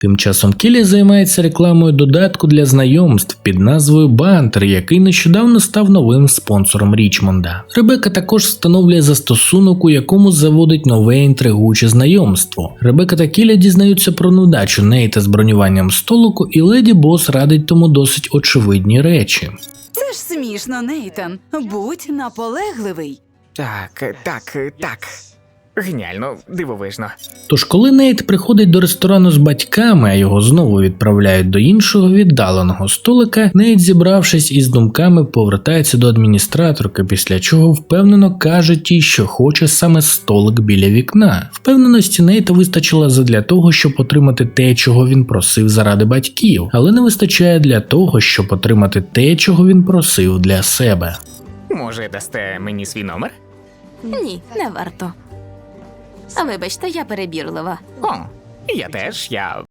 Тим часом Келлі займається рекламою додатку для знайомств під назвою Бантер, який нещодавно став новим спонсором Річмонда. Ребека також встановлює застосунок, у якому заводить нове інтригуюче знайомство. Ребека та Келлі дізнаються про невдачу Нейта з бронюванням столику, і Леді Бос радить тому досить очевидні речі. Це ж смішно, Нейтан. Будь наполегливий. Так. Геніально, дивовижно. Тож коли Нейт приходить до ресторану з батьками, а його знову відправляють до іншого віддаленого столика, Нейт, зібравшись із думками, повертається до адміністраторки, після чого впевнено каже тій, що хоче саме столик біля вікна. Впевненості Нейта вистачило задля того, щоб отримати те, чого він просив заради батьків, але не вистачає для того, щоб отримати те, чого він просив для себе. Може, дасте мені свій номер? Ні, не варто. А вибачте, я перебірлива. О, я теж,